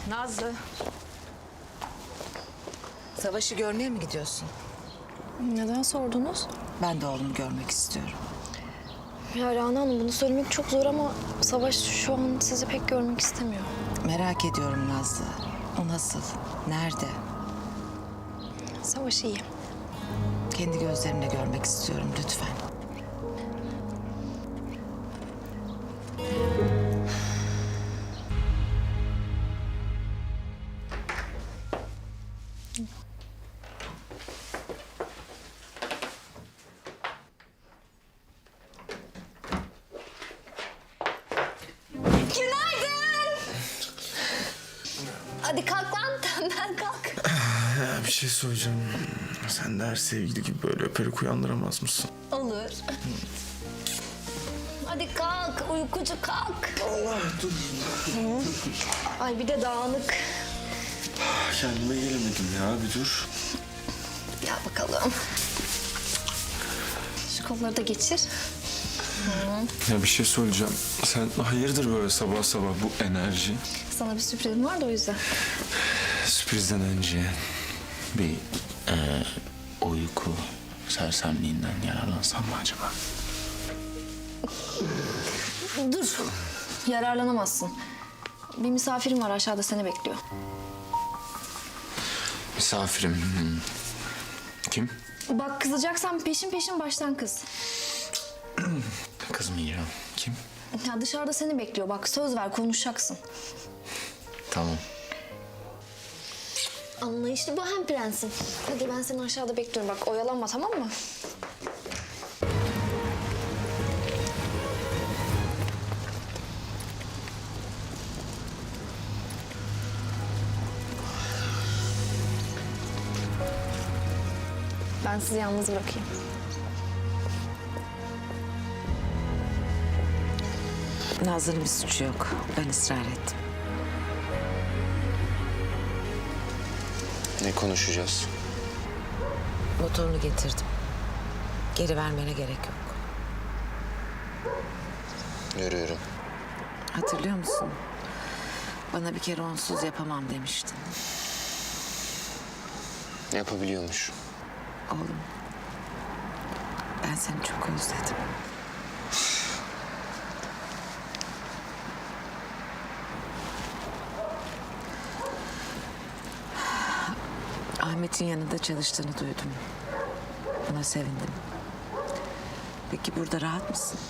Nazlı. Savaş'ı görmeye mi gidiyorsun? Neden sordunuz? Ben de oğlumu görmek istiyorum. Ya Rana Hanım, bunu söylemek çok zor ama Savaş şu an sizi pek görmek istemiyor. Merak ediyorum Nazlı. O nasıl? Nerede? Savaş iyi. Kendi gözlerimle görmek istiyorum lütfen. Günaydın. Hadi kalk lan, tembel kalk. Ya bir şey söyleyeceğim. Sen de her sevgili gibi böyle öperek uyandıramaz mısın? Olur. Hadi kalk, uykucu kalk. Allah dur. Ay bir de dağınık. Kendime gelemedim ya, bir dur. Gel bakalım. Şu kolları da geçir. Ya bir şey söyleyeceğim. Sen hayırdır böyle sabah sabah bu enerji? Sana bir sürprizim var da o yüzden. Sürprizden önce bir uyku sersemliğinden yararlansam mı acaba? Dur. Yararlanamazsın. Bir misafirim var aşağıda, seni bekliyor. Misafirim. Kim? Bak, kızacaksan peşin peşin baştan kız. Kızmayacağım. Kim? Ya dışarıda seni bekliyor. Bak söz ver, konuşacaksın. Tamam. Anlayışlı bu hem prensim. Hadi ben seni aşağıda bekliyorum. Bak oyalanma, tamam mı? Ben sizi yalnız bırakayım. Nazlı'nın bir suçu yok. Ben ısrar ettim. Ne konuşacağız? Motorunu getirdim. Geri vermene gerek yok. Görüyorum. Hatırlıyor musun? Bana bir kere onsuz yapamam demiştin. Yapabiliyormuş. Oğlum, ben seni çok özledim. Ahmet'in yanında çalıştığını duydum. Buna sevindim. Peki burada rahat mısın?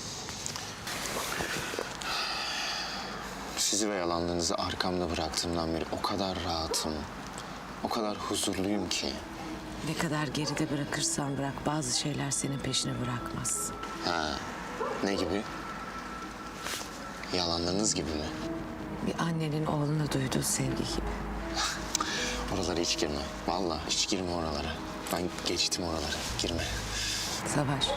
Sizi ve yalanlarınızı arkamda bıraktığımdan beri o kadar rahatım, o kadar huzurluyum ki. Ne kadar geride bırakırsan bırak, bazı şeyler senin peşine bırakmaz. Ha, ne gibi? Yalanlarınız gibi mi? Bir annenin oğluna duyduğu sevgi gibi. Oralara hiç girme. Vallahi hiç girme oralara. Ben geçtim oraları. Girme. Savaş.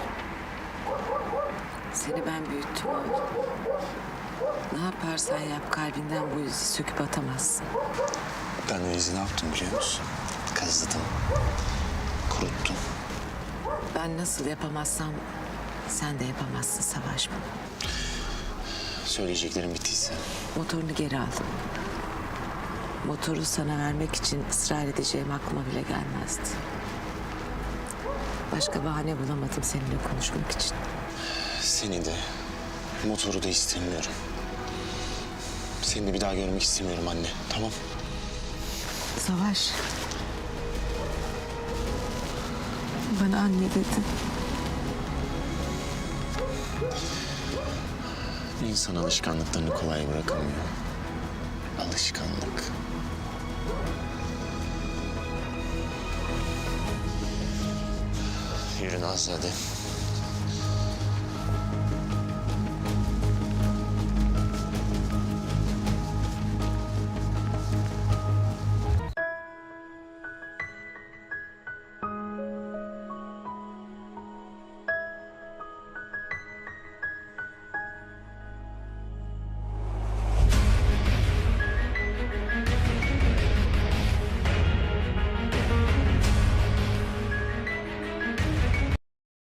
Seni ben büyüttüm oğlum. Ne yaparsan yap, kalbinden bu izi söküp atamazsın. Ben o izi ne yaptım biliyor musun? Kazıdım. Kuruttum. Ben nasıl yapamazsam sen de yapamazsın Savaş bunu. Söyleyeceklerim bittiyse. Motorunu geri aldım. Motoru sana vermek için ısrar edeceğim aklıma bile gelmezdi. Başka bahane bulamadım seninle konuşmak için. Seni de, motoru da istemiyorum. Seni de bir daha görmek istemiyorum anne. Tamam? Savaş. Bana anne dedin. İnsan alışkanlıklarını kolay bırakamıyor. Alışkanlık. Yürü Nazlı hadi.